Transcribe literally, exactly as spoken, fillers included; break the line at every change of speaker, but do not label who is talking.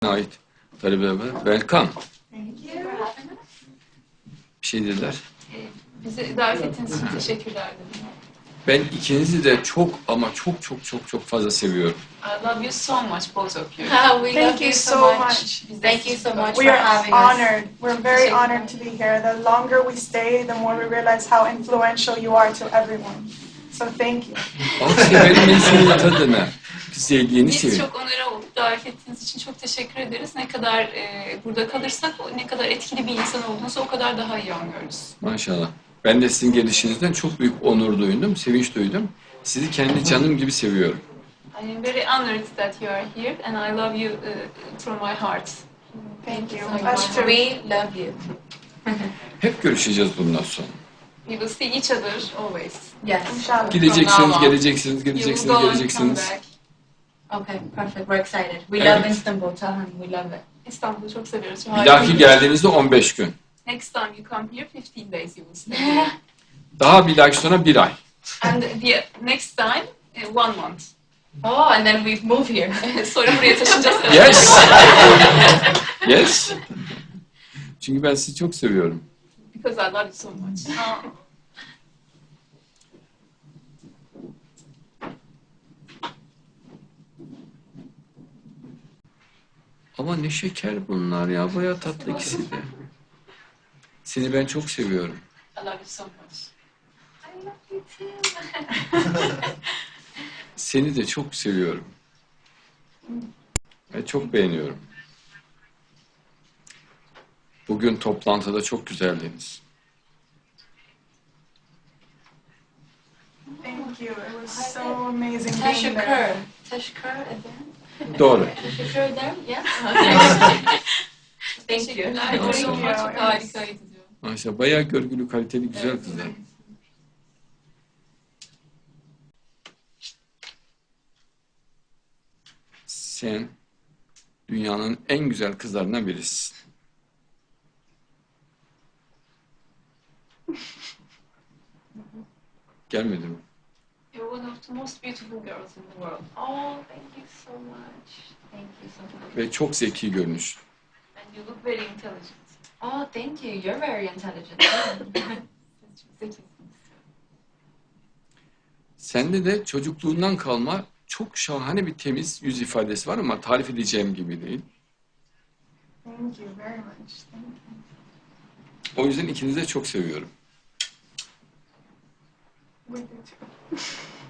ait talebeler. Welcome.
Thank you for having us.
Bir şey dediler.
Bizi davet ettiğiniz için teşekkürler dedim.
Ben ikinizi de çok ama çok çok çok çok fazla seviyorum.
I love you so much, both of you.
Ah, we
Thank
love
you so much.
Biz de
Thank you
sizi
so
çok-
much
We
for
are
having us.
honored. We're very honored to be here. The longer we stay, the more we realize how influential you are to everyone. So thank you.
Akşener'in insanın tadına, sevdiğini
Biz
seviyorum.
çok onore olduk. Davet ettiğiniz için çok teşekkür ederiz. Ne kadar e, burada kalırsak, o- ne kadar etkili bir insan olduğunuzu o kadar daha iyi anlıyoruz.
Maşallah. Ben de sizin gelişinizden çok büyük onur duydum, sevinç duydum. Sizi kendi canım gibi seviyorum.
I am very honored that you are here and I love you uh, from my heart.
Thank you.
so
Us
much.
too.
We love you.
Hep görüşeceğiz bundan sonra.
We will see each other always.
Yes.
İnşallah.
Gideceksiniz,
From now on.
geleceksiniz,
You will
geleceksiniz,
go and come
geleceksiniz.
back.
Okay, perfect. We're excited. We
Evet.
love Istanbul. Tell him we love it.
İstanbul'u çok seviyoruz.
Bir dahaki geldiğinizde on beş gün.
Next time you come here, fifteen days you will stay.
Daha bir dahaki sonra bir ay.
And the next time, uh, one month.
Oh, and then we move here.
Sonra buraya taşınacağız.
Yes. Yes. Çünkü ben sizi çok seviyorum.
Because I love you so much.
Ama ne şeker bunlar ya, bayağı tatlı ikisi de. Seni ben çok seviyorum.
I love you so much.
I love you too.
Seni de çok seviyorum. Ve çok beğeniyorum. Bugün toplantıda çok güzeldiniz.
Thank you. It was so amazing being
Teşekkür.
there.
Teşekkür ederim.
Doğru.
Teşekkür ederim. Yeah. Okay. Thank you.
Teşekkürler.
Thank
Çok
you.
çok harikaydı diyor.
Maşallah bayağı görgülü, kaliteli, güzel kızlar. Sen dünyanın en güzel kızlarından birisin. Gelmedi mi?
You're one of the most beautiful girls in the world.
Oh, thank you so much. Thank you so much.
Ve çok zeki görünüş.
And you look very intelligent.
Oh, thank you. You're very intelligent.
Siz çok zekisiniz.
Sende de çocukluğundan kalma çok şahane bir temiz yüz ifadesi var ama tarif edeceğim gibi değil.
Thank you very much. Thank you.
O yüzden ikinizi de çok seviyorum.
We do too.